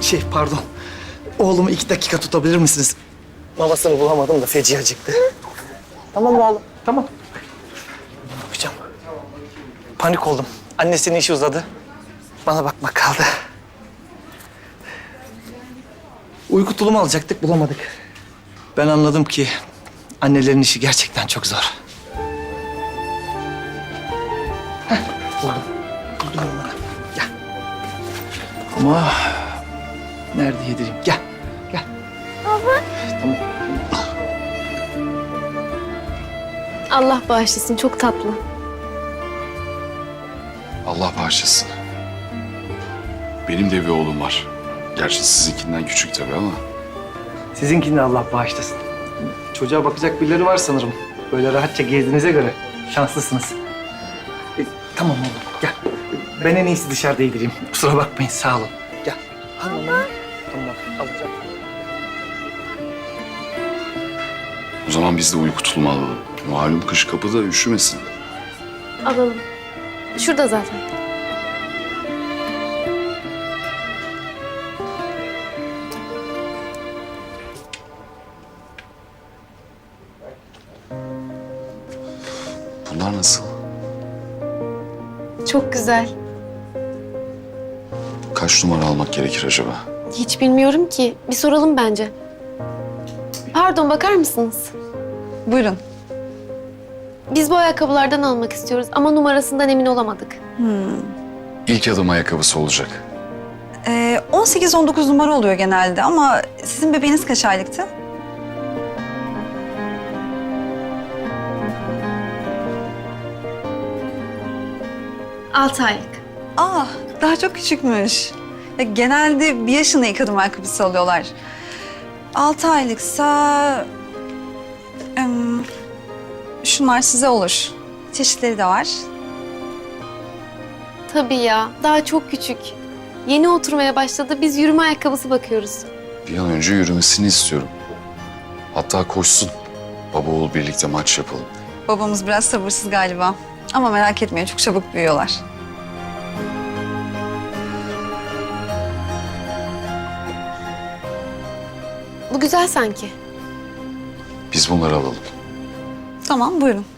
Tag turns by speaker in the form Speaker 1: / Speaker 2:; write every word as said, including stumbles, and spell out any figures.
Speaker 1: Şey pardon. Oğlumu iki dakika tutabilir misiniz? Mamasını bulamadım da feci acıktı. Tamam mı oğlum? Tamam. Ne yapacağım? Panik oldum. Annesinin işi uzadı. Bana bakmak kaldı. Uyku tulumu alacaktık, bulamadık. Ben anladım ki annelerin işi gerçekten çok zor. Heh, buldum. Buldum onları. Gel. Ama nerede yedireyim? Gel. Gel.
Speaker 2: Baba.
Speaker 1: Tamam.
Speaker 2: Allah bağışlasın, çok tatlı.
Speaker 3: Allah bağışlasın. Benim de bir oğlum var. Gerçi sizinkinden küçük tabii ama.
Speaker 1: Sizinkini de Allah bağışlasın. Çocuğa bakacak birileri var sanırım. Böyle rahatça gezdiğinize göre şanslısınız. E, tamam oğlum, gel. Ben en iyisi dışarıda yedireyim. Kusura bakmayın, sağ olun. Gel. Tamam. Tamam, alacağım.
Speaker 3: O zaman biz de uyku tulumu alalım. Malum kış kapıda, üşümesin.
Speaker 2: Alalım. Şurada zaten.
Speaker 3: Bunlar nasıl?
Speaker 2: Çok güzel.
Speaker 3: Kaç numara almak gerekir acaba?
Speaker 2: Hiç bilmiyorum ki. Bir soralım bence. Pardon, bakar mısınız?
Speaker 4: Buyurun.
Speaker 2: Biz bu ayakkabılardan almak istiyoruz ama numarasından emin olamadık.
Speaker 3: İlk adım ayakkabısı olacak.
Speaker 4: Ee, on sekiz on dokuz numara oluyor genelde ama sizin bebeğiniz kaç aylıktı?
Speaker 2: Altı aylık.
Speaker 4: Aa, daha çok küçükmüş. Ya, genelde bir yaşında ilk adım ayakkabısı alıyorlar. Altı aylıksa... em, şunlar size olur. Çeşitleri de var.
Speaker 2: Tabii ya, daha çok küçük. Yeni oturmaya başladı, biz yürüme ayakkabısı bakıyoruz.
Speaker 3: Bir an önce yürümesini istiyorum. Hatta koşsun. Baba oğul birlikte maç yapalım.
Speaker 4: Babamız biraz sabırsız galiba. Ama merak etmeyin, çok çabuk büyüyorlar.
Speaker 2: Bu güzel sanki.
Speaker 3: Biz bunları alalım.
Speaker 4: Tamam, buyurun.